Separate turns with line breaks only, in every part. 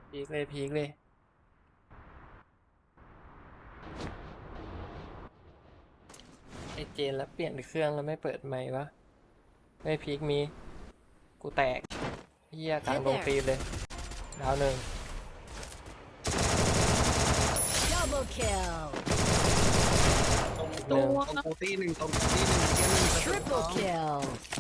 พีคเลยพีคเลยไอเจนแล้วเปลี่ยนเครื่องแล้วไม่เปิดไมค์วะไม่พีคมีกูแตกเฮียกลางดงตีนเลยดาวหนึ่ง
Double kill.
หนึ่ง
ตรงกูตี้หนึ่งตรงกูตี้หนึ่งเกมหนึ่ง
Triple kill.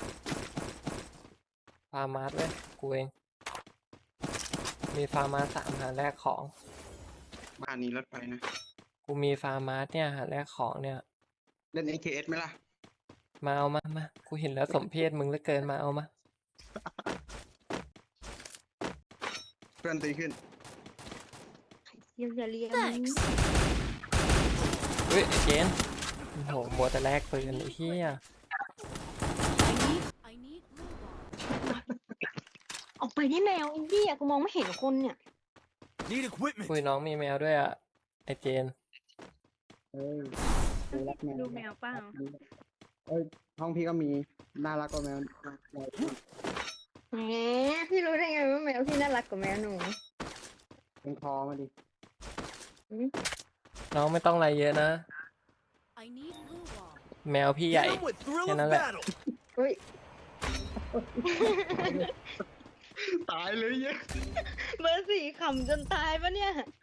ฟาร์มาสเลยกูเองมีฟาร์มาส3หาแลกของ
บ้านนี้รถไฟนะ
กูมีฟาร์มาสเนี่ยหาแลกของเนี่ย
เล่น AKS ไหมล่ะ
มาเอามากูเห็นแล้วสมเพศมึงเหลือเกินมาเอามา
เพื่อนตีขึ้น
อย่าเรียน
Thanks.
เฮ้ยไอ้เจนโอ้โหมัวแต่แลกปืนไอ้เหี้ย
I need blue ball.
ออกไปที่แมวไอ้เหี้ยกูมองไม่เห็นคนเนี่ย
Need equipment.
คุยน้องมีแมวด้วยอ่ะไอ้เจน
เอ้ยดูรักแมว
ดูแมวเปล่า
เอ้ยห้องพี่ก็มีน่ารักกว่าแมว
แหมพี่รู้ได้ไงว่าแมวพี่น่ารักกว่าแมวหนู
เป็นคอมาดิ
น้องไม่ต้องอะไรเยอะนะ
I need blue ball.
แมวพี่ใหญ่
Hit 'em with thrill
Yan
of
lang.
battle.
อุ้ย
ตายเลยเย้
เบอร์สี่ขำจนตายปะเนี่ย